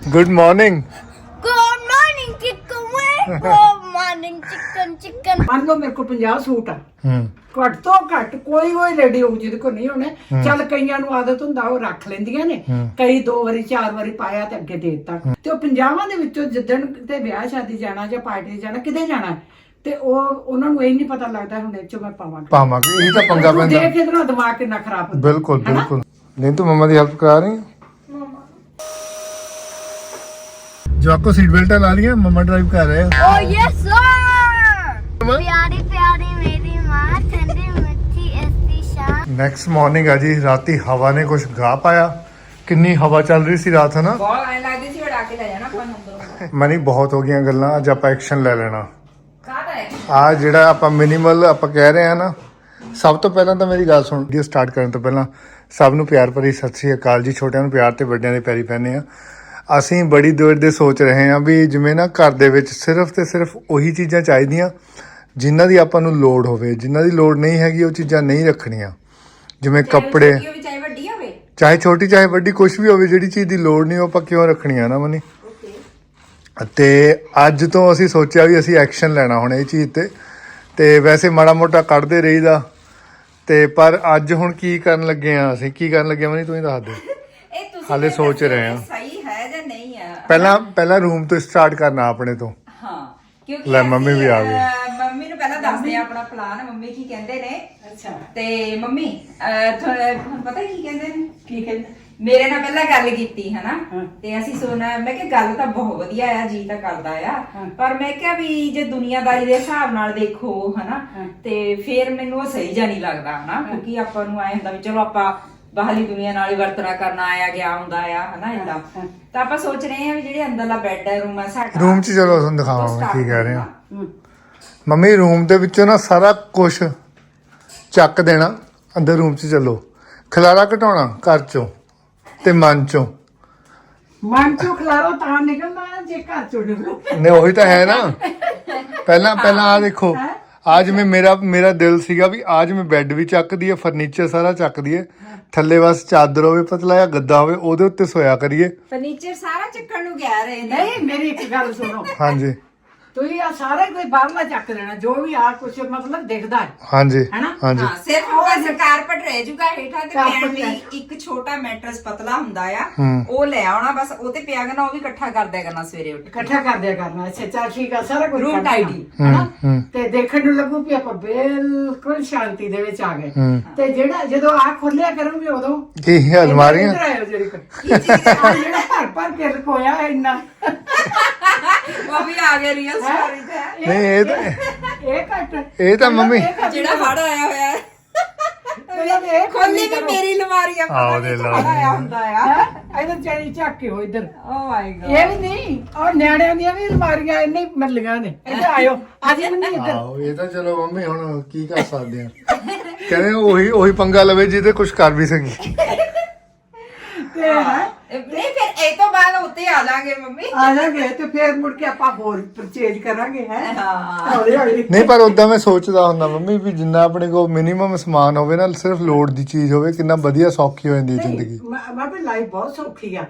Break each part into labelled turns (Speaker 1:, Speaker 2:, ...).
Speaker 1: Good morning.
Speaker 2: Good morning, chicken wing. Good morning, chicken.
Speaker 3: ਮੰਨ ਲਓ ਮੇਰੇ ਕੋਲ 50 ਸੂਟ ਆ ਘੱਟ ਤੋਂ ਘੱਟ ਕੋਈ ਲੇਡੀ ਹੋਊ ਜਿਹਦੇ ਕੋਲ ਨਹੀਂ ਹੋਣੇ। ਚੱਲ ਕਈਆਂ ਨੂੰ ਆਦਤ ਹੁੰਦਾ ਉਹ ਰੱਖ ਲੈਂਦੀਆਂ ਨੇ, ਕਈ 2 ਵਾਰੀ 4 ਵਾਰੀ ਪਾਇਆ ਤੇ ਅੱਗੇ ਦੇ ਦਿੱਤਾ। ਤੇ ਉਹ 50 ਦੇ ਵਿੱਚੋਂ ਜਿੱਦਣ ਤੇ ਵਿਆਹ ਸ਼ਾਦੀ ਜਾਣਾ ਜਾਂ ਪਾਰਟੀ ਤੇ ਜਾਣਾ, ਕਿਤੇ ਜਾਣਾ, ਤੇ ਉਹਨਾਂ ਨੂੰ ਇਹ ਨਹੀਂ ਪਤਾ ਲੱਗਦਾ ਹੁਣ ਇਹ ਚੋਂ ਮੈਂ
Speaker 1: ਪਾਵਾਂਗੇ। ਇਹ ਤਾਂ ਪੰਗਾ ਪੈਂਦਾ।
Speaker 3: ਦੇਖ ਇਹਦਾ ਦਿਮਾਗ ਕਿੰਨਾ ਖਰਾਬ ਹੁੰਦਾ।
Speaker 1: ਬਿਲकुल बिल्कुल। नहीं तो मम्मा की हेल्प करा रही है। जो आपको सीट बेल्ट ला लिया, मम्मा ड्राइव कर रहे हैं।
Speaker 2: Oh yes sir. प्यारी प्यारी मेरी माँ, ठंडी मिठी ऐसी शान।
Speaker 1: नेक्स्ट मॉर्निंग है जी। राती हवा ने कुछ गा पाया। किन्नी हवा चल रही सी रात, है ना?
Speaker 3: ਬਹੁਤ ਐ ਲੱਗਦੀ ਸੀ ਉਡਾ ਕੇ ਲੈ ਜਾਣਾ ਆਪਾਂ ਨੰਬਰ।
Speaker 1: ਮਨੀ ਬਹੁਤ ਹੋ ਗਈਆਂ ਗੱਲਾਂ, ਅੱਜ ਆਪਾਂ ਐਕਸ਼ਨ ਲੈ ਲੈਣਾ।
Speaker 3: ਕਾਹਦਾ ਹੈ
Speaker 1: ਆ ਜਿਹੜਾ ਆਪਾਂ ਮਿਨੀਮਲ ਆਪਾਂ ਕਹਿ ਰਹੇ ਆ ਨਾ, ਸਭ ਤੋਂ ਪਹਿਲਾਂ ਤਾਂ ਮੇਰੀ ਗੱਲ ਸੁਣ। ਵੀਡੀਓ ਸਟਾਰਟ ਕਰਨ ਤੋਂ ਪਹਿਲਾਂ ਸਭ ਨੂੰ ਪਿਆਰ ਭਰੀ ਸਤਿ ਸ੍ਰੀ ਅਕਾਲ ਜੀ। ਛੋਟਿਆਂ ਨੂੰ ਪਿਆਰ ਤੇ ਵੱਡਿਆਂ ਦੇ ਪੈਰੀ ਪੈਂਦੇ ਆ। ਅਸੀਂ ਬੜੀ ਦੇਰ ਦੇ ਸੋਚ ਰਹੇ ਹਾਂ ਵੀ ਜਿਵੇਂ ਨਾ ਘਰ ਦੇ ਵਿੱਚ ਸਿਰਫ ਤੇ ਸਿਰਫ ਉਹੀ ਚੀਜ਼ਾਂ ਚਾਹੀਦੀਆਂ ਜਿਨ੍ਹਾਂ ਦੀ ਆਪਾਂ ਨੂੰ ਲੋੜ ਹੋਵੇ, ਜਿਨ੍ਹਾਂ ਦੀ ਲੋੜ ਨਹੀਂ ਹੈਗੀ ਉਹ ਚੀਜ਼ਾਂ ਨਹੀਂ ਰੱਖਣੀਆਂ। ਜਿਵੇਂ ਕੱਪੜੇ,
Speaker 3: ਚਾਹੇ ਵੱਡੀ ਹੋਵੇ
Speaker 1: ਚਾਹੇ ਛੋਟੀ ਚਾਹੇ ਵੱਡੀ, ਕੁਝ ਵੀ ਹੋਵੇ, ਜਿਹੜੀ ਚੀਜ਼ ਦੀ ਲੋੜ ਨਹੀਂ ਉਹ ਆਪਾਂ ਕਿਉਂ ਰੱਖਣੀਆਂ ਨਾ ਮਨੀ। ਤੇ ਅੱਜ ਤੋਂ ਅਸੀਂ ਸੋਚਿਆ ਵੀ ਅਸੀਂ ਐਕਸ਼ਨ ਲੈਣਾ ਹੁਣ ਇਹ ਚੀਜ਼ ਤੇ ਵੈਸੇ ਮਾੜਾ ਮੋਟਾ ਕੱਢਦੇ ਰਹੀਦਾ ਤੇ ਪਰ ਅੱਜ ਹੁਣ ਕੀ ਕਰਨ ਲੱਗੇ ਆ ਅਸੀਂ? ਕੀ ਕਰਨ ਲੱਗੇ ਮਨੀ, ਤੂੰ ਹੀ ਦੱਸ ਦੇ।
Speaker 3: ਇਹ ਤੁਸੀਂ
Speaker 1: ਹਾਲੇ ਸੋਚ ਰਹੇ ਆ।
Speaker 3: ਸਹੀ ਹੈ ਜਾਂ ਨਹੀਂ ਹੈ।
Speaker 1: ਪਹਿਲਾਂ ਰੂਮ ਤੋਂ ਸਟਾਰਟ ਕਰਨਾ ਆਪਣੇ ਤੋਂ।
Speaker 3: ਹਾਂ ਕਿਉਂਕਿ
Speaker 1: ਲੈ ਮੰਮੀ ਵੀ ਆ ਗਈ।
Speaker 3: ਮੰਮੀ ਨੂੰ ਪਹਿਲਾਂ ਦੱਸਦੇ ਆ ਆਪਣਾ ਪਲਾਨ। ਮੰਮੀ ਕੀ ਕਹਿੰਦੇ ਨੇ? ਅੱਛਾ ਤੇ ਮੰਮੀ ਤੁਹਾਨੂੰ ਪਤਾ ਕੀ ਕਹਿੰਦੇ ਨੇ? ਕੀ ਕਹਿੰਦੇ? ਮੇਰੇ ਨਾਲ ਪਹਿਲਾਂ ਗੱਲ ਕੀਤੀ ਹੈ ਨਾ, ਤੇ ਅਸੀਂ ਸੁਣਾ। ਮੈਂ ਕਿਹਾ ਗੱਲ ਤਾਂ ਬਹੁਤ ਵਧੀਆ ਆ, ਜੀ ਤਾਂ ਕਰਦਾ ਆ, ਪਰ ਮੈਂ ਕਿਹਾ ਵੀ ਜੇ ਦੁਨੀਆਦਾਰੀ ਦੇ ਹਿਸਾਬ ਨਾਲ ਦੇਖੋ ਹਨਾ, ਤੇ ਫਿਰ ਮੈਨੂੰ ਉਹ ਸਹੀ ਜਾਂ ਨਹੀਂ ਲੱਗਦਾ ਹਨਾ। ਕਿਉਂਕਿ ਆਪਾਂ ਨੂੰ ਆਏ ਹੁੰਦਾ ਵੀ ਚਲੋ ਆਪਾਂ ਬਾਹਰਲੀ ਦੁਨੀਆ ਨਾਲ ਹੀ ਵਰਤਣਾ ਕਰਨਾ ਆਇਆ ਗਿਆ ਹੁੰਦਾ ਆ ਹਨਾ ਏਦਾਂ। ਤਾਂ ਆਪਾਂ ਸੋਚ ਰਹੇ ਆ ਵੀ ਜਿਹੜੇ ਅੰਦਰਲਾ ਬੈੱਡ ਹੈ, ਰੂਮ ਹੈ ਸਾਡਾ,
Speaker 1: ਰੂਮ 'ਚ ਚਲੋ ਤੁਹਾਨੂੰ ਦਿਖਾਵਾਂਗੇ ਕੀ ਕਹਿ ਰਹੇ ਆ। ਮੰਮੀ ਰੂਮ ਦੇ ਵਿੱਚੋਂ ਨਾ ਸਾਰਾ ਕੁਝ ਚੱਕ ਦੇਣਾ, ਅੰਦਰ ਰੂਮ 'ਚ ਚੱਲੋ। ਖਲਾਰਾ ਘਟਾਉਣਾ ਘਰ 'ਚੋਂ ਤੇ ਮਨ 'ਚੋਂ
Speaker 3: ਖਲਾਰੋ ਤਾਂ ਨਿਕਲਣਾ ਜੇ ਘਰ ਚੋਂ ਨਿਕਲੋ।
Speaker 1: ਨੇ ਉਹੀ ਤਾਂ ਹੈ ਨਾ। ਪਹਿਲਾਂ ਆ ਦੇਖੋ, आज में मेरा दिल सीगा भी आज मैं बैड भी ਚੱਕ ਦਈਏ, ਫਰਨੀਚਰ ਸਾਰਾ ਚੱਕ ਦਈਏ, ਥੱਲੇ ਬਸ ਚਾਦਰ ਹੋਵੇ, ਪਤਲਾ ਜਿਹਾ ਗੱਦਾ ਹੋਵੇ, ਉਹਦੇ ਉੱਤੇ ਸੋਇਆ ਕਰੀਏ।
Speaker 3: ਫਰਨੀਚਰ ਸਾਰਾ ਚੱਕਣ ਨੂੰ ਗਿਆ ਰਹੇ ਨੇ। ਨਹੀਂ ਮੇਰੀ ਇੱਕ ਗੱਲ ਸੁਣੋ। ਹਾਂਜੀ ਤੁਸੀਂ ਆ ਸਾਰਾ ਕੋਈ ਬਾਹਰਲਾ ਚੱਕ ਲੈਣਾ, ਜੋ ਵੀ ਆ ਕੁਝ ਮਤਲਬ ਦਿਖਦਾ ਹੈ। ਹਾਂਜੀ ਹਾਂਜੀ ਹਾਂ, ਸਿਰਫ ਉਹ ਕਾਰਪਟ ਰਹਿ ਜੂਗਾ ਹੇਠਾਂ ਤੇ ਪੈਣ ਲਈ ਇੱਕ ਛੋਟਾ ਮੈਟਰਸ ਪਤਲਾ ਹੁੰਦਾ ਆ, ਉਹ ਲੈ ਆਉਣਾ ਬਸ, ਉਹ ਤੇ ਪਿਆ ਕਰਨਾ, ਉਹ ਵੀ ਇਕੱਠਾ ਕਰ ਦਿਆ ਕਰਨਾ ਸਵੇਰੇ ਉੱਠ ਇਕੱਠਾ ਕਰ ਦਿਆ ਕਰਨਾ। ਅੱਛਾ ਚੱਲ ਠੀਕ ਆ, ਸਾਰਾ ਕੁਝ ਰੂਮ ਟਾਈਡੀ ਤੇ ਦੇਖਣ ਨੂੰ ਲੱਗੂ ਕਿ ਆਪਾਂ ਬਿਲਕੁਲ ਸ਼ਾਂਤੀ ਦੇ ਵਿੱਚ ਆ ਗਏ। ਤੇ ਜਿਹੜਾ ਜਦੋਂ ਆ ਖੋਲਿਆ ਕਰੂੰਗੇ ਉਦੋਂ
Speaker 1: ਕੀ ਅਲਮਾਰੀਆਂ
Speaker 3: ਜਿਹੜਾ ਭਰ ਕੇ ਰਖੋਇਆ ਹੈ ਇੰਨਾ ਉਹ ਵੀ ਆ ਗਿਆ ਰੀਅਲ ਸਟੋਰੀ ਤੇ। ਨਹੀਂ
Speaker 1: ਇਹ ਤਾਂ ਮੰਮੀ
Speaker 3: ਜਿਹੜਾ ਹੜ ਆਇਆ ਹੋਇਆ ਹੈ ਖੋਲੀ ਵੀ ਮੇਰੀ ਅਲਮਾਰੀ ਆ,
Speaker 1: ਆਹ ਦੇ ਲਾ
Speaker 3: ਆਇਆ ਹੁੰਦਾ ਆ ਇਧਰ ਚੜੀ ਚੱਕ ਕੇ ਹੋ ਇਧਰ। ਓ ਮਾਈ ਗॉड ਇਹ ਵੀ ਨਹੀਂ, ਔਰ ਨਿਆਣਿਆਂ ਦੀਆਂ ਵੀ ਅਲਮਾਰੀਆਂ ਇੰਨੇ ਮਿਲੀਆਂ ਨੇ। ਇੱਧਰ ਆਇਓ ਅੱਜ ਮੰਨੀ ਇੱਧਰ।
Speaker 1: ਆਹੋ ਇਹ ਤਾਂ ਚਲੋ ਮੰਮੀ ਹੁਣ ਕੀ ਕਰ ਸਕਦੇ ਆ। ਕਹਿੰਦੇ ਉਹੀ ਪੰਗਾ ਲਵੇ ਜਿਹਦੇ ਕੁਝ ਕਰ ਵੀ ਸਕੀ। ਤੇ ਨਹੀਂ ਫਿਰ ਇਹ ਤੋਂ ਬਾਅਦ ਉੱਤੇ ਆ ਜਾਾਂਗੇ ਮੰਮੀ, ਆ ਜਾਾਂਗੇ ਤੇ ਫਿਰ ਮੁੜ ਕੇ ਆਪਾਂ ਹੋਰ ਪਰਚੇਜ ਕਰਾਂਗੇ ਹੈ। ਨਹੀਂ ਪਰ ਉਦਾਂ ਮੈਂ ਸੋਚਦਾ ਹੁੰਦਾ ਮੰਮੀ ਵੀ ਜਿੰਨਾ ਆਪਣੇ ਕੋਲ ਮਿਨੀਮਮ ਸਮਾਨ ਹੋਵੇ ਨਾ, ਸਿਰਫ ਲੋੜ ਦੀ ਚੀਜ਼ ਹੋਵੇ, ਕਿੰਨਾ ਵਧੀਆ ਸੌਖੀ ਹੋ ਜਾਂਦੀ ਹੈ ਜ਼ਿੰਦਗੀ।
Speaker 3: ਮਾਪੇ ਲਾਈਫ ਬਹੁਤ ਸੌਖੀ ਆ।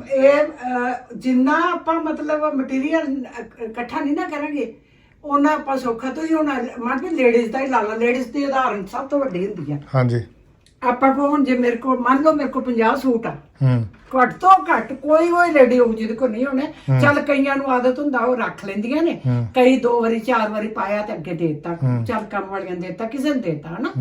Speaker 3: ਇਹ ਜਿੰਨਾ ਆਪਾਂ ਮਤਲਬ ਮਟੀਰੀਅਲ ਇਕੱਠਾ ਨਹੀਂ ਨਾ ਕਰਾਂਗੇ ਉਹਨਾਂ ਆਪਾਂ ਸੌਖਾ। ਤੁਸੀਂ ਹੁਣ ਮਾਪੇ ਲੇਡੀਜ਼ ਦਾ ਹੀ ਲਾ ਲਾ, ਲੇਡੀਜ਼ ਦੀ ਉਦਾਹਰਨ ਸਭ ਤੋਂ ਵੱਡੀ ਹੁੰਦੀ ਆ। ਹਾਂਜੀ ਆਪਾਂ ਕੋਲ ਹੁਣ ਜੇ ਮੇਰੇ ਕੋਲ ਮੰਨ ਲਓ ਮੇਰੇ ਕੋਲ 50 ਸੂਟ ਆ, ਘੱਟ ਤੋਂ ਘੱਟ ਕੋਈ ਲੇਡੀ ਹੋਊ ਜਿਹਦੇ ਕੋਲ ਨਹੀਂ ਹੋਣੇ। ਚੱਲ ਕਈਆਂ ਨੂੰ ਆਦਤ ਹੁੰਦਾ ਉਹ ਰੱਖ ਲੈਂਦੀਆਂ ਨੇ, ਕਈ 2 ਵਾਰੀ 4 ਵਾਰੀ ਪਾਇਆ ਤੇ ਅੱਗੇ ਦੇ ਦਿੱਤਾ, ਚੱਲ ਕੰਮ ਵਾਲੀਆਂ ਦੇ ਦਿੱਤਾ, ਕਿਸੇ ਨੂੰ ਦੇ ਦਿੱਤਾ ਹਨਾ।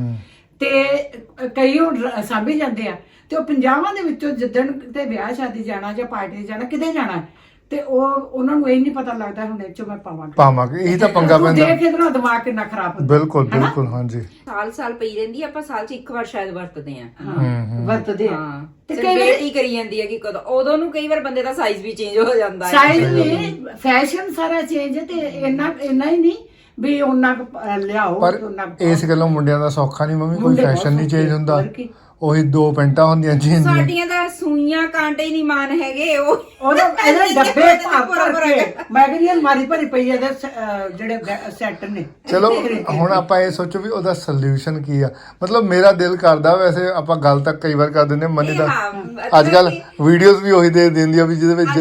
Speaker 3: ਤੇ ਕਈ ਹੁਣ ਸਾਂਭੀ ਜਾਂਦੇ ਆ। ਤੇ ਉਹ 50 ਦੇ ਵਿੱਚੋਂ ਜਿੱਦਣ ਤੇ ਵਿਆਹ ਸ਼ਾਦੀ ਜਾਣਾ ਜਾਂ ਪਾਰਟੀ ਤੇ ਜਾਣਾ, ਕਿਤੇ ਜਾਣਾ, ਤੇ ਉਹਨਾਂ ਨੂੰ ਇਹ ਨਹੀਂ ਪਤਾ ਲੱਗਦਾ ਹੁਣ ਇਹ ਚੋਂ ਮੈਂ ਪਾਵਾਂਗੇ। ਇਹ ਤਾਂ ਪੰਗਾ ਪੈਂਦਾ। ਦੇਖ ਇਹਦਾ ਦਿਮਾਗ ਕਿੰਨਾ ਖਰਾਬ ਹੁੰਦਾ। ਬਿਲਕੁਲ ਹਾਂਜੀ। ਸਾਲ ਪਈ ਰਹਿੰਦੀ, ਆਪਾਂ ਸਾਲ 'ਚ ਇੱਕ ਵਾਰ ਸ਼ਾਇਦ ਵਰਤਦੇ ਆ ਤੇ ਕਈ ਵਾਰੀ ਕਰੀ ਜਾਂਦੀ ਹੈ ਕਿ ਕਦੋਂ ਉਦੋਂ ਨੂੰ ਕਈ ਵਾਰ ਬੰਦੇ ਦਾ ਸਾਈਜ਼ ਵੀ ਚੇਂਜ ਹੋ ਜਾਂਦਾ ਹੈ। ਸਾਈਜ਼ ਨਹੀਂ, ਫੈਸ਼ਨ ਸਾਰਾ ਚੇਂਜ। ਤੇ ਇੰਨਾ ਹੀ ਨਹੀਂ ਵੀ ਉਹਨਾਂ ਲਿਆਓ। ਪਰ ਇਸ ਗੱਲੋਂ ਮੁੰਡਿਆਂ ਦਾ ਸੌਖਾ ਨਹੀਂ ਮੰਮੀ, ਕੋਈ ਫੈਸ਼ਨ ਨਹੀਂ ਚੇਂਜ ਹੁੰਦਾ। ਉਹੀ 2 ਪੈਂਟਾਂ ਹੁੰਦੀਆਂ ਜੀਨ ਦੀਆਂ। ਸਾਡੀਆਂ ਤਾਂ ਸੂਈਆਂ ਕਾਂਟੇ ਹੀ ਨਹੀਂ ਮਾਨ ਹੈਗੇ। ਉਹਦੇ ਡੱਬੇ ਭਰ ਕੇ ਮੈਂ ਕਹਿੰਦੀ ਅਲਮਾਰੀ ਭਰੀ ਪਈ ਇਹਦੇ ਜਿਹੜੇ ਸੈੱਟ ਨੇ। ਚਲੋ ਹੁਣ ਆਪਾਂ ਇਹ ਸੋਚੋ ਵੀ ਉਹਦਾ ਸੋਲੂਸ਼ਨ ਕੀ ਆ। ਮਤਲਬ ਮੇਰਾ ਦਿਲ ਕਰਦਾ, ਵੈਸੇ ਆਪਾਂ ਗੱਲ ਤਾਂ ਕਈ ਵਾਰ ਕਰ ਦਿੰਦੇ ਮਨੀ ਦਾ। ਅੱਜ ਕੱਲ ਵੀਡੀਓਜ਼ ਵੀ ਉਹੀ ਦੇ ਦਿੰਦੀ ਆ ਵੀ ਜਿਹਦੇ ਵਿੱਚ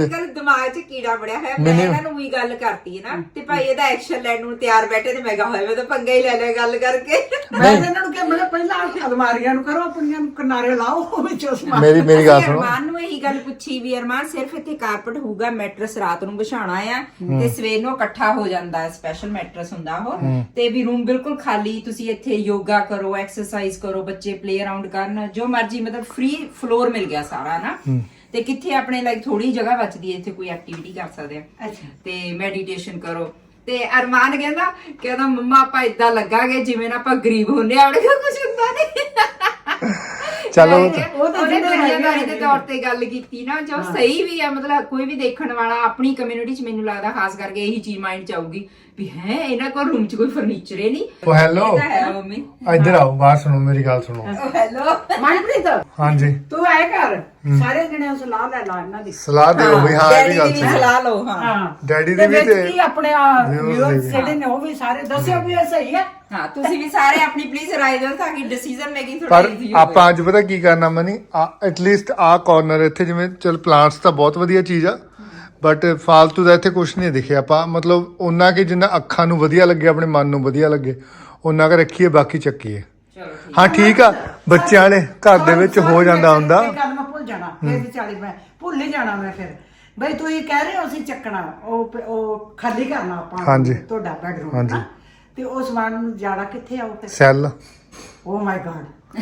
Speaker 4: ਦਿਮਾਗ 'ਚ ਕੀੜਾ ਬੜਿਆ ਹੋਇਆ ਮੈਂ ਇਹਨਾਂ ਨੂੰ ਵੀ ਗੱਲ ਕਰਤੀ ਹੈ ਨਾ ਤੇ ਭਾਈ ਇਹਦਾ ਐਕਸ਼ਨ ਲੈਣ ਨੂੰ ਤਿਆਰ ਬੈਠੇ ਤੇ ਮੈਂ ਕਿਹਾ ਹੋਇਆ ਮੈਂ ਤਾਂ ਪੰਗਾ ਹੀ ਲੈ ਲਿਆ ਗੱਲ ਕਰਕੇ
Speaker 3: ਮੈਂ ਇਹਨਾਂ ਨੂੰ ਕਿਹਾ ਮੈਂ ਕਿਹਾ ਪਹਿਲਾਂ ਅਲਮਾਰੀਆਂ ਨੂੰ ਕਰੋ ਆਪਣੀਆਂ ਨੂੰ ਕਿਨਾਰੇ ਲਾਓ ਵਿੱਚੋਂ ਸਮਾਨ
Speaker 1: ਮੇਰੀ ਗੱਲ ਸੁਣੋ
Speaker 4: ਅਰਮਾਨ ਨੂੰ ਇਹੀ ਗੱਲ ਪੁੱਛੀ ਵੀ ਅਰਮਾਨ ਸਿਰਫ ਇੱਥੇ ਕਾਰਪਟ ਹੋਊਗਾ ਮੈਟਰਸ ਰਾਤ ਨੂੰ ਵਿਛਾਉਣਾ ਆ ਤੇ ਸਵੇਰ ਨੂੰ ਇਕੱਠਾ ਹੋ ਜਾਂਦਾ ਹੈ ਸਪੈਸ਼ਲ ਮੈਟਰਸ ਹੁੰਦਾ ਉਹ ਤੇ ਵੀ ਰੂਮ ਬਿਲਕੁਲ ਖਾਲੀ ਤੁਸੀਂ ਇੱਥੇ ਯੋਗਾ ਕਰੋ ਐਕਸਰਸਾਈਜ਼ ਕਰੋ ਬੱਚੇ ਪਲੇ ਅਰਾਊਂਡ ਕਰਨ ਜੋ ਮਰਜੀ ਮਤਲਬ ਫ੍ਰੀ ਫਲੋਰ ਮਿਲ ਗਿਆ ਸਾਰਾ ਨਾ ਤੇ ਕਿੱਥੇ ਆਪਣੇ ਲਾਈਕ ਥੋੜੀ ਜਗ੍ਹਾ ਬਚਦੀ ਹੈ ਇੱਥੇ ਕੋਈ ਐਕਟੀਵਿਟੀ ਕਰ ਸਕਦੇ ਆ ਤੇ ਮੈਡੀਟੇਸ਼ਨ ਕਰੋ ਤੇ ਅਰਮਾਨ ਕਹਿੰਦਾ ਮੰਮਾ ਆਪਾਂ ਇਦਾਂ ਲੱਗਾਂਗੇ ਜਿਵੇਂ ਨਾ ਆਪਾਂ ਗਰੀਬ ਹੁੰਨੇ ਆਪਣੇ ਕੋਲ ਕੁਝ ਹੁੰਦਾ ਨਹੀਂ
Speaker 1: ਚਲੋ
Speaker 4: ਉਹ ਤਾਂ ਦੁਨੀਆਦਾਰੀ ਦੇ ਤੌਰ ਤੇ ਗੱਲ ਕੀਤੀ ਨਾ ਜੋ ਸਹੀ ਵੀ ਆ ਮਤਲਬ ਕੋਈ ਵੀ ਦੇਖਣ ਵਾਲਾ ਆਪਣੀ ਕਮਿਊਨਿਟੀ 'ਚ ਮੈਨੂੰ ਲੱਗਦਾ ਖਾਸ ਕਰਕੇ ਇਹੀ ਚੀਜ਼ ਮਾਈਂਡ 'ਚ ਆਊਗੀ ਵੀ ਹੈ ਇਹਨਾਂ ਕੋਲ ਰੂਮ 'ਚ ਕੋਈ ਫਰਨੀਚਰ ਹੀ ਨਹੀਂ
Speaker 1: ਉਹ ਹੈਲੋ
Speaker 4: ਹੈ ਮੰਮੀ
Speaker 1: ਇੱਧਰ ਆਓ ਬਾਹਰ ਸੁਣੋ ਮੇਰੀ ਗੱਲ ਸੁਣੋ
Speaker 4: ਹੈਲੋ
Speaker 3: ਮਨਪ੍ਰੀਤ
Speaker 1: ਹਾਂਜੀ
Speaker 3: ਤੂੰ ਆਏ ਕਰ ਸਾਰੇ ਜਣੇ ਸਲਾਹ ਲੈ ਲਾ ਇਹਨਾਂ ਦੀ
Speaker 1: ਸਲਾਹ ਦਿਓ ਵੀ ਹਾਂ ਇਹ ਵੀ ਗੱਲ
Speaker 4: ਡੈਡੀ ਦੀ
Speaker 1: ਸਹੀ
Speaker 4: ਸਲਾਹ ਲਓ ਹਾਂ
Speaker 1: ਡੈਡੀ ਦੀ ਵੀ
Speaker 3: ਵਿੱਚ
Speaker 1: ਤੇ
Speaker 3: ਕੀ ਆਪਣੇ ਵਿਊਅਰਸ ਜਿਹੜੇ ਨੇ ਉਹ ਵੀ ਸਾਰੇ ਦੱਸਿਓ ਵੀ ਇਹ ਸਹੀ ਹੈ
Speaker 4: ਹਾਂ ਤੁਸੀਂ ਵੀ ਸਾਰੇ ਆਪਣੀ ਪਲੀਜ਼ ਰਾਏ ਦਿਓ ਤਾਂ ਕਿ ਡਿਸੀਜਨ ਮੇਕਿੰਗ ਥੋੜੀ
Speaker 1: ਪਰ
Speaker 4: ਈਜ਼ੀ
Speaker 1: ਆਪਾਂ ਅੱਜ ਪਤਾ ਕੀ ਕਰਨਾ ਮਨੀ ਐਟਲੀਸਟ ਆ ਕਾਰਨਰ ਇੱਥੇ ਜਿਵੇਂ ਚਲ ਪਲਾਂਟਸ ਤਾਂ ਬਹੁਤ ਵਧੀਆ ਚੀਜ਼ ਆ ਬਟ ਫਾਲਤੂ ਦਾ ਇੱਥੇ ਕੁਝ ਨਹੀਂ ਦਿਖਿਆ ਆਪਾਂ ਮਤਲਬ ਉਹਨਾਂ ਕਿ ਜਿੰਨਾ ਅੱਖਾਂ ਨੂੰ ਵਧੀਆ ਲੱਗੇ ਆਪਣੇ ਮਨ ਨੂੰ ਵਧੀਆ ਲੱਗੇ ਉਹਨਾਂ ਕੁ ਰੱਖੀਏ ਬਾਕੀ ਚੱਕੀਏ ਹਾਂ ਠੀਕ ਆ ਬੱਚਿਆਂ ਵਾਲੇ ਘਰ ਦੇ ਵਿੱਚ ਹੋ ਜਾਂਦਾ ਹੁੰਦਾ
Speaker 3: ਇਹ ਗੱਲ ਮੈਂ ਭੁੱਲ ਜਾਣਾ ਫਿਰ ਵਿਚਾਲੇ ਮੈਂ ਭੁੱਲ ਹੀ ਜਾਣਾ ਮੈਂ ਫਿਰ ਬਈ ਤੁਸੀਂ ਕਹਿ ਰਹੇ ਹੋ ਅਸੀਂ ਚੱਕਣਾ ਉਹ ਖਾਲੀ ਕਰਨਾ ਆਪਾਂ
Speaker 1: ਹਾਂਜੀ।
Speaker 3: ਤੁਹਾਡਾ ਬੈਡਰੂਮ
Speaker 1: ਹਾਂਜੀ।
Speaker 3: ਤੇ ਉਹ ਸਮਾਨ ਨੂੰ ਜਾਣਾ ਕਿੱਥੇ ਆਉ ਫਿਰ
Speaker 1: ਸੈੱਲ
Speaker 3: ਓ ਮਾਈ ਗॉड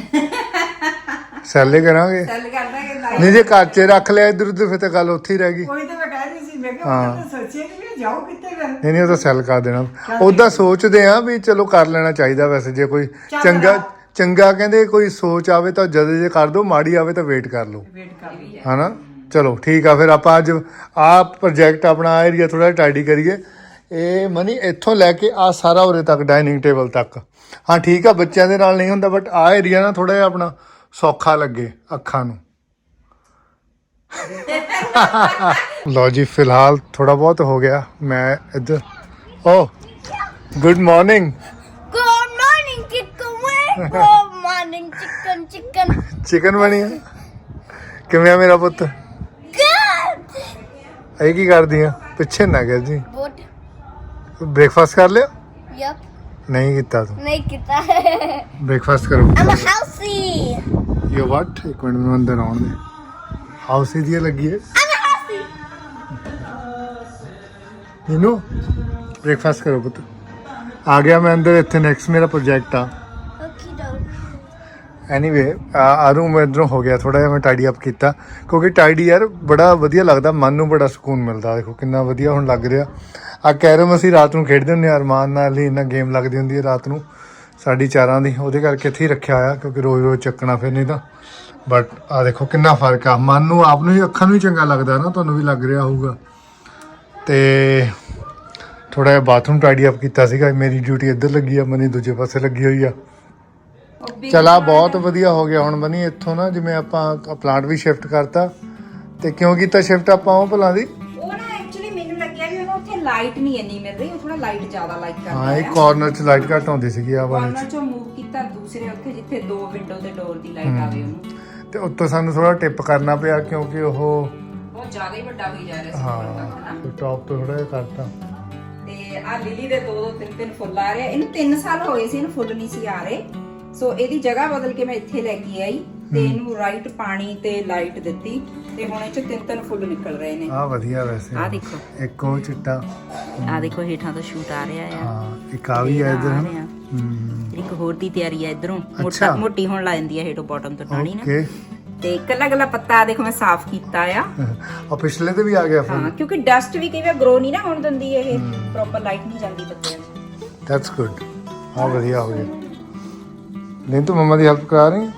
Speaker 1: ਸੈੱਲੇ ਕਰਾਂਗੇ
Speaker 4: ਚੱਲ ਕਰਦਾ ਕਿ
Speaker 1: ਨਹੀਂ ਜੇ ਘਰ 'ਚ ਰੱਖ ਲਿਆ ਇੱਧਰ ਉੱਧਰ ਫਿਰ ਤਾਂ ਗੱਲ ਉੱਥੇ ਹੀ ਰਹਿ ਗਈ
Speaker 3: ਕੋਈ ਤਾਂ ਮੈਂ ਕਹਿ ਰਹੀ ਸੀ ਮੈਂ ਕਿਹਾ ਉਹ ਤਾਂ ਸੋਚਿਆ ਕਿ ਵੀ ਜਾਓ ਕਿੱਥੇ ਫਿਰ
Speaker 1: ਨਹੀਂ ਉਹ ਤਾਂ ਸੈੱਲ ਕਰ ਦੇਣਾ ਉਦਾਂ ਸੋਚਦੇ ਆ ਵੀ ਚਲੋ ਕਰ ਲੈਣਾ ਚਾਹੀਦਾ ਵੈਸੇ ਜੇ ਕੋਈ ਚੰਗਾ ਕਹਿੰਦੇ ਕੋਈ ਸੋਚ ਆਵੇ ਤਾਂ ਜਦ ਜੇ ਕਰ ਦੋ ਮਾੜੀ ਆਵੇ ਤਾਂ ਵੇਟ ਕਰ ਲਓ
Speaker 3: ਵੇਟ ਕਰ ਲਈ
Speaker 1: ਹਨਾ ਚਲੋ ਠੀਕ ਆ ਫਿਰ ਆਪਾਂ ਅੱਜ ਆ ਪ੍ਰੋਜੈਕਟ ਆਪਣਾ ਏਰੀਆ ਥੋੜਾ ਟਾਈਡੀ ਕਰੀਏ ਇਹ ਮਨੀ ਇੱਥੋਂ ਲੈ ਕੇ ਆ ਸਾਰਾ ਉਰੇ ਤੱਕ ਡਾਈਨਿੰਗ ਟੇਬਲ ਤੱਕ ਹਾਂ ਠੀਕ ਆ ਬੱਚਿਆਂ ਦੇ ਨਾਲ ਨਹੀਂ ਹੁੰਦਾ ਬਟ ਆ ਏਰੀਆ ਨਾ ਥੋੜਾ ਜਿਹਾ ਆਪਣਾ ਸੌਖਾ ਲੱਗੇ ਅੱਖਾਂ ਨੂੰ ਲੋ ਜੀ ਫਿਲਹਾਲ ਥੋੜਾ ਬਹੁਤ ਹੋ ਗਿਆ ਮੈਂ ਇੱਧਰ ਓ good morning
Speaker 2: Good morning, chicken wing. Good morning, chicken.
Speaker 1: Chicken ਬਣੀ ਆ ਕਿਵੇਂ ਆ ਮੇਰਾ ਪੁੱਤ
Speaker 2: Good.
Speaker 1: ਇਹ ਕੀ ਕਰਦੀ ਆ ਪਿੱਛੇ ਨਾ ਗਿਰ ਜੀ
Speaker 2: Good.
Speaker 1: ਬ੍ਰੇਕਫਾਸਟ ਕਰ ਲਿਆ
Speaker 2: Yup.
Speaker 1: ਨਹੀਂ ਕੀਤਾ ਤੂੰ
Speaker 2: ਨਹੀਂ ਕੀਤਾ
Speaker 1: ਬ੍ਰੇਕਫਾਸਟ ਕਰੋ
Speaker 2: I'm a housey.
Speaker 1: ਯੋ ਵਾਟ ਇੱਕ ਮਿੰਟ ਮੈਨੂੰ ਅੰਦਰ ਆਉਣ ਦੇ ਹਾਊਸ ਦੀ ਲੱਗੀ ਹੈ
Speaker 2: I'm a housey.
Speaker 1: ਇਹਨੂੰ ਬ੍ਰੇਕਫਾਸਟ ਕਰੋ ਪੁੱਤ ਆ ਗਿਆ ਮੈਂ ਅੰਦਰ ਇੱਥੇ ਨੈਕਸਟ ਮੇਰਾ ਪ੍ਰੋਜੈਕਟ ਆ
Speaker 2: Okay, doke.
Speaker 1: ਐਨੀਵੇ ਆ ਰੂਮ ਇਧਰੋਂ ਹੋ ਗਿਆ ਥੋੜਾ ਜਿਹਾ ਮੈਂ ਟਾਈਡੀ ਅਪ ਕੀਤਾ ਕਿਉਂਕਿ ਟਾਈਡੀ ਯਾਰ ਬੜਾ ਵਧੀਆ ਲੱਗਦਾ ਮਨ ਨੂੰ ਬੜਾ ਸਕੂਨ ਮਿਲਦਾ ਦੇਖੋ ਕਿੰਨਾ ਵਧੀਆ ਹੁਣ ਲੱਗ ਰਿਹਾ ਆ ਕੈਰਮ ਅਸੀਂ ਰਾਤ ਨੂੰ ਖੇਡਦੇ ਹੁੰਦੇ ਆ ਅਰਮਾਨ ਨਾਲ ਹੀ ਇੰਨਾ ਗੇਮ ਲੱਗਦੀ ਹੁੰਦੀ ਹੈ ਰਾਤ ਨੂੰ ਸਾਡੀ ਚਾਰਾਂ ਦੀ ਉਹਦੇ ਕਰਕੇ ਇੱਥੇ ਹੀ ਰੱਖਿਆ ਹੋਇਆ ਕਿਉਂਕਿ ਰੋਜ਼ ਚੱਕਣਾ ਫਿਰ ਨਹੀਂ ਤਾਂ ਬਟ ਆ ਦੇਖੋ ਕਿੰਨਾ ਫਰਕ ਆ ਮਨ ਨੂੰ ਆਪ ਨੂੰ ਹੀ ਅੱਖਾਂ ਨੂੰ ਹੀ ਚੰਗਾ ਲੱਗਦਾ ਨਾ ਤੁਹਾਨੂੰ ਵੀ ਲੱਗ ਰਿਹਾ ਹੋਊਗਾ ਤੇ ਥੋੜਾ ਜਿਹਾ ਬਾਥਰੂਮ ਟਾਈਡੀ ਅਪ ਕੀਤਾ ਸੀਗਾ ਮੇਰੀ ਡਿਊਟੀ ਇੱਧਰ ਲੱਗੀ ਆ ਮਨੀ ਦੂਜੇ ਪਾਸੇ ਲੱਗੀ ਹੋਈ ਆ ਚਲਾ ਬਹੁਤ ਵਧੀਆ ਹੋ ਗਿਆ ਹੁਣ ਮਨੀ ਇੱਥੋਂ ਨਾ ਜਿਵੇਂ ਆਪਾਂ ਪਲਾਂਟ ਵੀ ਸ਼ਿਫਟ ਕਰਤਾ ਤੇ ਕਿਉਂ ਕੀਤਾ ਸ਼ਿਫਟ ਆਪਾਂ ਉਹ ਭਲਾਂ ਦੀ
Speaker 4: ਉਹ ਨਾ ਐਕਚੁਅਲੀ ਮੈਨੂੰ ਲੱਗਿਆ ਵੀ ਉਹਨੂੰ ਉੱਥੇ ਲਾਈਟ ਨਹੀਂ ਇੰਨੀ ਮਿਲ ਰਹੀ ਉਹ ਥੋੜਾ ਲਾਈਟ ਜ਼ਿਆਦਾ ਲਾਈਕ ਕਰਦਾ
Speaker 1: ਹਾਂ ਇੱਕ ਕਾਰਨਰ 'ਚ ਲਾਈਟ ਘੱਟ ਆਉਂਦੀ ਸੀਗੀ ਆ ਵਾਲੇ 'ਚ
Speaker 4: ਕਾਰਨਰ ਚੋਂ ਮੂਵ ਕੀਤਾ ਦੂਸਰੇ ਉੱਥੇ ਜਿੱਥੇ ਦੋ ਵਿੰਡੋ ਤੇ ਡੋਰ ਦੀ ਲਾਈਟ ਆਵੇ ਉਹਨੂੰ
Speaker 1: ਤੇ ਉੱਤੋਂ ਸਾਨੂੰ ਥੋੜਾ ਟਿਪ ਕਰਨਾ ਪਿਆ ਕਿਉਂਕਿ ਉਹ
Speaker 4: ਬਹੁਤ ਜ਼ਿਆਦਾ ਹੀ ਵੱਡਾ ਹੋਈ ਜਾ ਰਿਹਾ ਸੀ
Speaker 1: ਹਾਂ
Speaker 4: ਉੱਪਰ ਤੱਕ ਨਾ
Speaker 1: ਟੌਪ ਤੋਂ ਥੋੜਾ ਜਿਹਾ ਕਰਤਾ
Speaker 4: ਤੇ ਆ ਲਿਲੀ ਦੇ ਦੋ ਤਿੰਨ ਫੁੱਲ ਆ ਰਹੇ ਇਹਨੂੰ 3 ਸਾਲ ਹੋ ਗਏ ਸੀ ਇਹਨੂੰ ਫੁੱਲ ਨਹੀਂ ਸੀ ਆ ਰਹੇ ਸੋ ਇਹਦੀ ਜਗ੍ਹਾ ਬਦਲ ਕੇ ਮੈਂ ਇੱਥੇ ਲੈ ਕੇ ਆਈ ਤੇ ਇਹਨੂੰ ਰਾਈਟ ਪਾਣੀ ਤੇ ਲਾਈਟ ਦਿੱਤੀ ਤੇ ਹੁਣ ਇਹ ਚ 3 ਫੁੱਲ ਨਿਕਲ ਰਹੇ ਨੇ
Speaker 1: ਆ ਵਧੀਆ ਵੈਸੇ
Speaker 4: ਆ ਦੇਖੋ
Speaker 1: ਇੱਕ ਉਹ ਚਿੱਟਾ
Speaker 4: ਆ ਦੇਖੋ ਹੇਠਾਂ ਤੋਂ ਸ਼ੂਟ ਆ ਰਿਹਾ ਆ
Speaker 1: ਹਾਂ ਇੱਕ ਆ ਵੀ ਆ ਇਧਰ
Speaker 4: ਆ ਰਿਹਾ। ਇੱਕ ਹੋਰ ਦੀ ਤਿਆਰੀ ਆ ਇਧਰੋਂ
Speaker 1: ਅੱਛਾ।
Speaker 4: ਮੋਟੀ ਹੋਣ ਲੱਗ ਜਾਂਦੀ ਆ ਹੇਠੋਂ ਬਾਟਮ ਤੋਂ ਟਾਣੀ ਨਾ
Speaker 1: ਓਕੇ
Speaker 4: ਤੇ ਕੱਲਾ ਪੱਤਾ ਦੇਖੋ ਮੈਂ ਸਾਫ਼ ਕੀਤਾ ਆ
Speaker 1: ਆ ਪਿਛਲੇ ਤੇ ਵੀ ਆ ਗਿਆ ਫੁੱਲ
Speaker 4: ਹਾਂ ਕਿਉਂਕਿ ਡਸਟ ਵੀ ਕਈ ਵਾਰ ਗਰੋ ਨਹੀਂ ਨਾ ਹੋਣ ਦਿੰਦੀ ਇਹ ਪ੍ਰੋਪਰ ਲਾਈਟ ਨਹੀਂ ਜਾਂਦੀ ਪੱਤਿਆਂ 'ਚ
Speaker 1: ਦੈਟਸ ਗੁੱਡ ਆ ਵਧੀਆ ਹੋ ਗਿਆ ਨਹੀਂ ਤੂੰ ਮੰਮਾ ਦੀ ਹੈਲਪ ਕਰਾ ਰਹੀ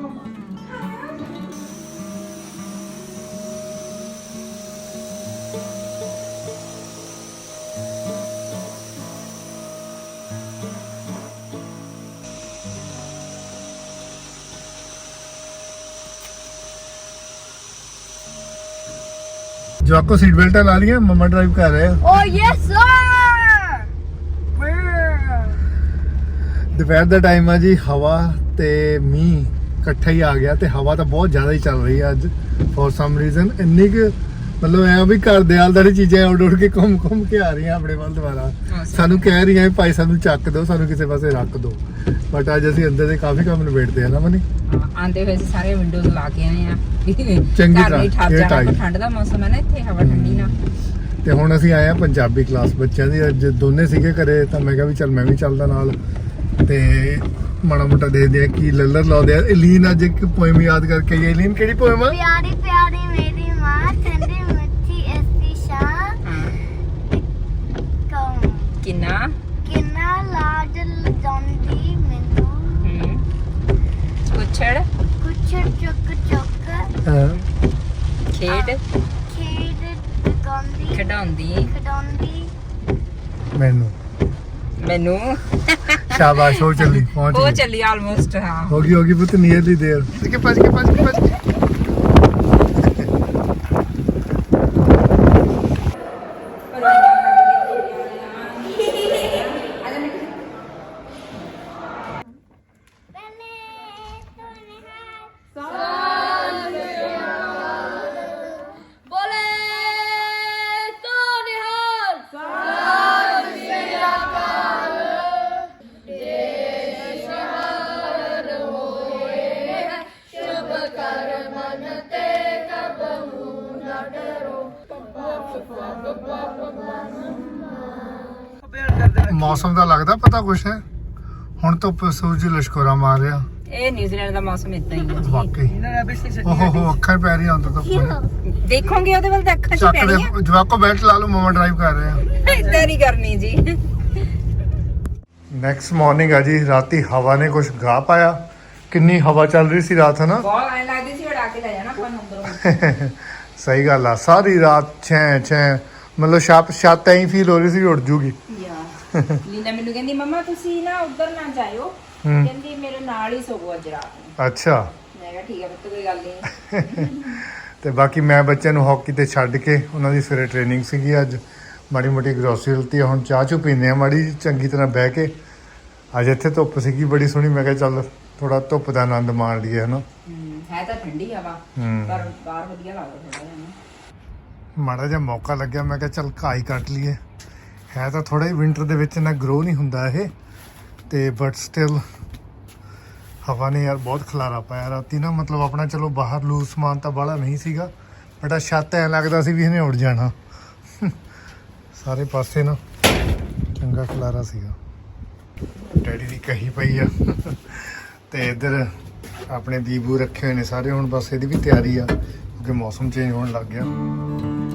Speaker 1: जो आपको सीट बेल्ट ला लिया मम्मा ड्राइव कर रहे हैं
Speaker 2: Oh yes, sir.
Speaker 1: ਦੁਪਹਿਰ ਦਾ ਟਾਈਮ ਆ ਜੀ ਹਵਾ ਤੇ ਮੀਂਹ ਇਕੱਠਾ ਹੀ ਆ ਗਿਆ ਤੇ ਹਵਾ ਤਾਂ ਬਹੁਤ ਜ਼ਿਆਦਾ ਹੀ ਚੱਲ ਰਹੀ ਹੈ ਅੱਜ ਫॉर ਸਮ ਰੀਜ਼ਨ ਇੰਨੀ ਕਿ ਮਤਲਬ ਐ ਵੀ ਘਰ ਦੇ ਆਲਦਾਰੀ ਚੀਜ਼ਾਂ ਉੱਡ ਕੇ ਘੁੰਮ ਕੇ ਆ ਰਹੀਆਂ ਆਪਣੇ ਵੱਲ ਦੁਬਾਰਾ ਸਾਨੂੰ ਕਹਿ ਰਹੀਆਂ ਵੀ ਭਾਈ ਸਾਨੂੰ ਚੱਕ ਦਿਓ ਸਾਨੂੰ ਕਿਸੇ ਪਾਸੇ ਰੱਖ ਦਿਓ ਬਟ ਅੱਜ ਅਸੀਂ ਅੰਦਰ ਦੇ ਕਾਫੀ ਕੰਮ ਨਿਬੇੜਦੇ ਆ ਨਾ ਮਨੀ
Speaker 4: ਆਂਦੇ ਹੋਏ ਅਸੀਂ ਸਾਰੇ ਵਿੰਡੋਜ਼ ਲਾ ਕੇ ਆਏ ਆ
Speaker 1: ਚੰਗੀ
Speaker 4: ਘਰ ਨਹੀਂ ਠੱਪ
Speaker 1: ਤਰ੍ਹਾਂ
Speaker 4: ਜਾਣਾ ਠੰਡ ਦਾ ਮੌਸਮ ਹੈ ਨਾ ਇੱਥੇ ਹਵਾ ਠੰਡੀ ਨਾ
Speaker 1: ਤੇ ਹੁਣ ਅਸੀਂ ਆਏ ਆ ਪੰਜਾਬੀ ਕਲਾਸ ਬੱਚਿਆਂ ਦੀ ਅੱਜ ਦੋਨੇ ਸੀਗੇ ਘਰੇ ਤਾਂ ਮੈਂ ਕਿਹਾ ਵੀ ਚੱਲ ਮੈਂ ਵੀ ਚੱਲਦਾ ਨਾਲ ਤੇ ਮਾੜਾ ਮੋਟਾ ਦੇਖਦੇ ਆ ਕੀ ਲੱਲਰ ਲਾਉਂਦੇ ਆ ਇਲੀਨ ਅੱਜ ਇੱਕ ਪੋਇਮ ਯਾਦ ਕਰਕੇ ਆਈ ਇਲੀਨ ਕਿਹੜੀ ਪੋਇਮ ਆ
Speaker 2: ਪਿਆਰੀ ਪਿਆਰੀ ਮੇਰੀ ਮਾਂ ਠੰਡੀ ਮਿੱਠੀ ਐਸੀ ਸ਼ਾਂ ਕੌਣ
Speaker 4: ਕਿੰਨਾ
Speaker 2: ਕਿੰਨਾ ਲਾਡ ਲਜਾਉਂਦੀ ਮੈਨੂੰ
Speaker 4: ਕੁਛੜ
Speaker 2: ਕੁਛੜ ਚੁੱਕ ਚੁੱਕ
Speaker 1: ਹਾਂ
Speaker 4: ਖੇਡ
Speaker 2: ਖਿਡਾਉਂਦੀ
Speaker 4: ਮੈਨੂੰ
Speaker 1: ਸ਼ਾਬਾਸ਼ ਹੋ ਚੱਲੀ ਪਹੁੰਚ
Speaker 4: ਉਹ
Speaker 1: ਗਈ
Speaker 4: ਚੱਲੀ ਆਲਮੋਸਟ ਹਾਂ
Speaker 1: ਹੋ ਗਈ ਪੁੱਤ ਨੀਅਰਲੀ ਦੇਰ ਭੱਜ ਕੇ ਮੌਸਮ ਦਾ ਲੱਗਦਾ ਪਤਾ ਕੁਛ ਹੈ ਹੁਣ ਤੋਂ ਸੂਰਜ ਲਸ਼ਕੋਰਾ ਮਾਰ ਰਿਹਾ
Speaker 4: ਇਹ ਨਿਊਜ਼ੀਲੈਂਡ ਦਾ ਮੌਸਮ ਇਦਾਂ ਹੀ ਹੈ
Speaker 1: ਵਾਕਈ ਓਹੋ ਅੱਖਾਂ ਪੈ ਰਹੀਆਂ ਹੁਣ ਤਾਂ
Speaker 4: ਦੇਖੋਗੇ ਉਹਦੇ ਵੱਲ ਤਾਂ ਅੱਖਾਂ 'ਚ
Speaker 1: ਚੱਕ
Speaker 4: ਪੈਣੀਆਂ
Speaker 1: ਦੇ ਜਵਾਕੋ ਬੈਠ ਲਾ ਲਓ ਮਮਾ ਡਰਾਈਵ ਕਰ ਰਹੇ ਆ
Speaker 4: ਇਦਾਂ ਨਹੀਂ ਕਰਨੀ ਜੀ
Speaker 1: ਨੈਕਸਟ ਮਾਰਨਿੰਗ ਆ ਜੀ ਰਾਤੀ ਹਵਾ ਨੇ ਕੁਝ ਗਾ ਪਾਇਆ ਕਿੰਨੀ ਹਵਾ ਚੱਲ ਰਹੀ ਸੀ ਰਾਤ ਹਨਾ
Speaker 4: ਬਹੁਤ ਐਂ ਲੱਗਦੀ ਸੀ ਉਡਾ ਕੇ ਲੈ ਜਾਣਾ ਆਪਾਂ ਨੂੰ ਅੰਦਰੋਂ
Speaker 1: ਸਹੀ ਗੱਲ ਆ ਸਾਰੀ ਰਾਤ ਛੇ ਮਤਲਬ ਛੱਤ ਐਂ ਫੀਲ ਹੋ ਰਹੀ ਸੀ ਉੱਡ ਜੂਗੀ
Speaker 4: ਲੀਨਾ ਮੈਨੂੰ ਕਹਿੰਦੀ ਮਮਾ ਤੁਸੀਂ ਨਾ ਉੱਧਰ ਨਾ ਜਾਇਓ ਕਹਿੰਦੀ ਮੇਰੇ ਨਾਲ ਹੀ ਸੋਵੋ ਅੱਜ ਰਾਤ ਨੂੰ
Speaker 1: ਅੱਛਾ
Speaker 4: ਮੈਂ ਕਿਹਾ ਠੀਕ ਹੈ ਬੱਤ ਕੋਈ ਗੱਲ ਨਹੀਂ
Speaker 1: ਤੇ ਬਾਕੀ ਮੈਂ ਬੱਚਿਆਂ ਨੂੰ ਹਾਕੀ ਤੇ ਛੱਡ ਕੇ ਉਹਨਾਂ ਦੀ ਸਵੇਰੇ ਟ੍ਰੇਨਿੰਗ ਸੀਗੀ ਅੱਜ ਮਾੜੀ ਮੋਟੀ ਗਰੋਸਰੀ ਲਤੀ ਹੁਣ ਚਾਹ ਚੁ ਪੀਂਦੇ ਆ ਮਾੜੀ ਚੰਗੀ ਤਰ੍ਹਾਂ ਬਹਿ ਕੇ ਅੱਜ ਇੱਥੇ ਧੁੱਪ ਸੀਗੀ ਬੜੀ ਸੋਹਣੀ ਮੈਂ ਕਿਹਾ ਚੱਲ ਥੋੜਾ ਧੁੱਪ ਦਾ ਆਨੰਦ ਮਾਣ ਲਈਏ ਹਨਾ
Speaker 4: ਹੈ ਤਾਂ ਠੰਡੀ ਹਵਾ ਪਰ ਬਾਹਰ ਵਧੀਆ ਲੱਗਦਾ ਥੋੜਾ ਜਿਹਾ
Speaker 1: ਮਾੜਾ ਜਿਹਾ ਮੌਕਾ ਲੱਗਿਆ ਮੈਂ ਕਿਹਾ ਚੱਲ ਘਾਹ ਹੀ ਕੱਟ ਲਈਏ ਹੈ ਤਾਂ ਥੋੜਾ ਹੀ ਵਿੰਟਰ ਦੇ ਵਿੱਚ ਨਾ ਗਰੋ ਨਹੀਂ ਹੁੰਦਾ ਇਹ ਤੇ ਬਟ ਸਟਿਲ ਹਵਾ ਨੇ ਯਾਰ ਬਹੁਤ ਖਲਾਰਾ ਪਾਇਆ ਰਾਤੀ ਨਾ ਮਤਲਬ ਆਪਣਾ ਚਲੋ ਬਾਹਰ ਲੂਜ਼ ਸਮਾਨ ਤਾਂ ਬਾਹਲਾ ਨਹੀਂ ਸੀਗਾ ਬਟ ਆ ਛੱਤ ਐ ਲੱਗਦਾ ਸੀ ਵੀ ਇਹਨੇ ਉੱਡ ਜਾਣਾ ਸਾਰੇ ਪਾਸੇ ਨਾ ਚੰਗਾ ਖਲਾਰਾ ਸੀਗਾ ਡੈਡੀ ਦੀ ਕਹੀ ਪਈ ਆ ਤੇ ਇੱਧਰ ਆਪਣੇ ਦੀਬੂ ਰੱਖੇ ਹੋਏ ਨੇ ਸਾਰੇ ਹੁਣ ਬਸ ਇਹਦੀ ਵੀ ਤਿਆਰੀ ਆ ਕਿਉਂਕਿ ਮੌਸਮ ਚੇਂਜ ਹੋਣ ਲੱਗ ਗਿਆ